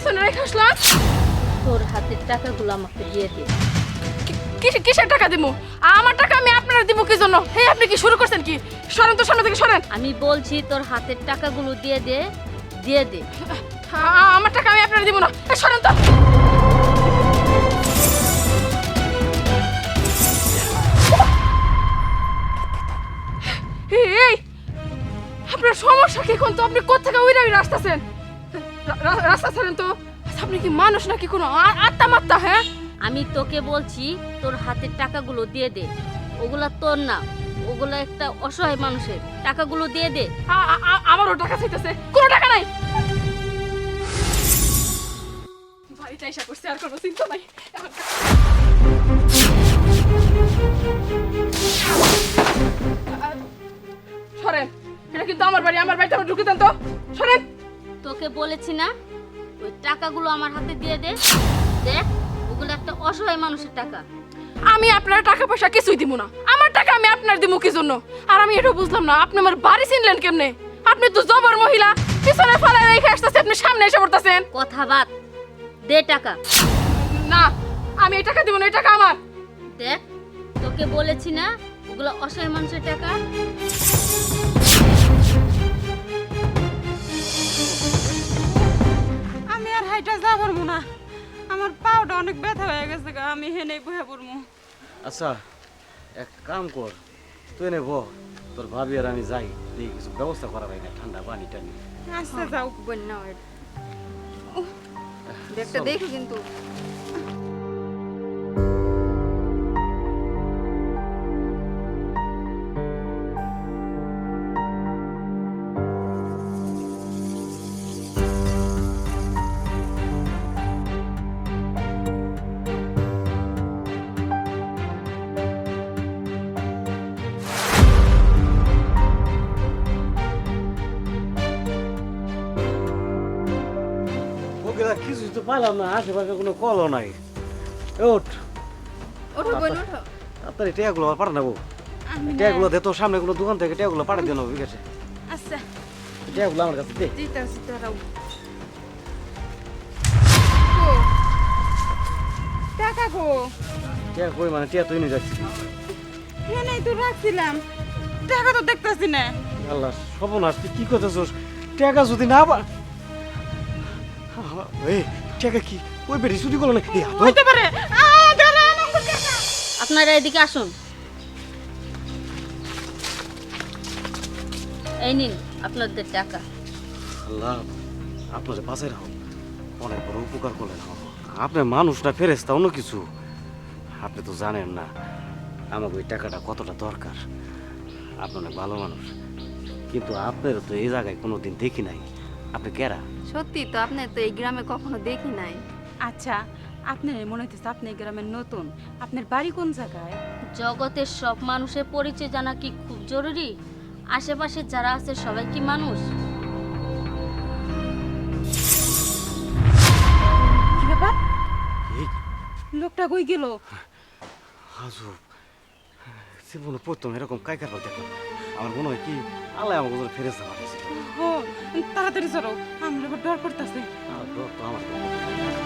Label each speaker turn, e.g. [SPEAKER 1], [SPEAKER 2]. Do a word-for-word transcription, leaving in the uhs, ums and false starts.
[SPEAKER 1] পিছনে রেখে আসলাম?
[SPEAKER 2] তোর হাতের টাকাগুলো আমাকে দিয়ে দে।
[SPEAKER 1] কি- কিসের টাকা দিমু? আমার টাকা আমি আপনারা দিব কি জন্য? হে, আপনি কি শুরু করছেন কি? সরেন তো, সামনে থেকে সরেন।
[SPEAKER 2] আমি বলছি তোর হাতের টাকাগুলো দিয়ে দে, দিয়ে দে।
[SPEAKER 1] আ- আমার টাকা আমি আপনারা দিব না। এ, সরেন তো। এই, এই, আপনার সমস্যা কি? কোন তো আপনি কোত্থেকে উইরা উইরা আসতেছেন? রা- রা- রাস্তা ছাড়েন তো। আচ্ছা, আপনি কি মানুষ নাকি কোনো আ- আত্মা মাত্তা? হ্যাঁ,
[SPEAKER 2] আমি তোকে বলছি তোর হাতের টাকাগুলো দিয়ে দে। ওগুলা তোর না, ওগুলা একটা অসহায় মানুষের। টাকাগুলো দিয়ে দে।
[SPEAKER 1] আ- আ- আ- আমারও টাকা চাইতেছে। কোনো টাকা নাই। বাড়িতে এসে করছে, আর কোনো চিন্তা নাই। এখন কা- আ- সরেন, এটা কিন্তু আমার বাড়ি। আমার বাড়িতে আমার ঢুকে দেন তো। সরেন।
[SPEAKER 2] তোকে বলেছি না, ওই টাকাগুলো আমার হাতে দিয়ে দে। দেখ, ওগুলো একটা অসহায় মানুষের টাকা।
[SPEAKER 1] আমি আপনার টাকা পয়সা কিছুই দিব না। আমার টাকা আমি আপনার দিব কি জন্য? আর আমি এটা বুঝলাম না, আপনি আমার বাড়ি চিনলেন কেমনে? আপনি তো জবর মহিলা, পিছনে ফালায় রেখে আসতেছে, আপনি সামনে এসে পড়তেছেন।
[SPEAKER 2] কথা বাদ, দে টাকা।
[SPEAKER 1] না, আমি এই টাকা দিব না, এই টাকা আমার।
[SPEAKER 2] দেখ, তোকে বলেছি না, ওগুলো অসহায় মানুষের টাকা।
[SPEAKER 3] আমি আর হাইটা যা পারবো না, আমার পাউটা অনেক ব্যথা হয়ে গেছে গা, আমি হেনে বহে পড়বো।
[SPEAKER 4] আচ্ছা, এক কাম কর, তুই নে বহ, তোর ভাবি আর আমি যাই, দেখি কিছু ব্যবস্থা করা যায় না, ঠান্ডা পানি টানি।
[SPEAKER 3] আচ্ছা যাও।
[SPEAKER 5] বন্যা ব্যাগটা দেখো কিন্তু।
[SPEAKER 4] ওকে দা কিছুই তো পাইলাম না, আশেপাশে কোনো কলও নাই। এ ওঠ,
[SPEAKER 5] ওঠো বোন ওঠো।
[SPEAKER 4] তাড়াতাড়ি টেয়াগুলো আর পাঠা নেবো।
[SPEAKER 3] আমি না-
[SPEAKER 4] টেয়াগুলো দে, তোর সামনে কোনো দোকান থেকে টেয়াগুলো পাঠা দিয়ে নেবো, ঠিক আছে?
[SPEAKER 3] আচ্ছা
[SPEAKER 4] টেয়াগুলো আমার কাছে দে।
[SPEAKER 3] দিতেছি তোরাও। টাকা গো,
[SPEAKER 4] টেয়া কই মানে, টেয়া তুই নিয়ে যাচ্ছিস।
[SPEAKER 3] হেনেই তো রাখছিলাম, টাকা তো দেখতেছি না।
[SPEAKER 4] আল্লাহ সর্বনাশ, তুই কি করতেছিস? টাকা যদি না পা এই টাকা কি ওই বেরি চুরি করলো না? এই হাত
[SPEAKER 3] হইতে পারে। আ, দাঁড়া, আমার টাকা।
[SPEAKER 2] আপনারা এদিকে আসুন। এই নিন আপনাদের টাকা।
[SPEAKER 4] আল্লাহ আপনাদের বাঁচাই রাখো, অনেক বড় উপকার করলেন আমাকে। আপনার মানুষটা ফেরেস্তা অন্য কিছু, আপনি তো জানেন না আমাকে ওই টাকাটা কতটা দরকার। আপনি অনেক ভালো মানুষ, কিন্তু আপনার তো এই জায়গায় কোনোদিন দেখি নাই। আপনি কেরা?
[SPEAKER 5] সত্যি তো, আপনি তো এই গ্রামে কখনো দেখি নাই।
[SPEAKER 3] আচ্ছা, আপনার মনে হইতেছে আপনি এই গ্রামের নতুন। আপনার বাড়ি কোন জায়গায়?
[SPEAKER 2] জগতের সব মানুষের পরিচয় জানা কি খুব জরুরি? আশেপাশে যারা আছে সবাই কি মানুষ?
[SPEAKER 3] কি ব্যাপার?
[SPEAKER 4] এই
[SPEAKER 3] লোকটা কই গেল?
[SPEAKER 4] আজব জীবনে প্রথম এরকম কাইকার পাল দেখলাম। আমার মনে হয় কি আল্লাহ আমাকে ফেরেস্তা পাঠিয়েছে।
[SPEAKER 3] ও, তাড়াতাড়ি চলো, আমার এবার ডর করতেছে।
[SPEAKER 4] আর ডর তো আমার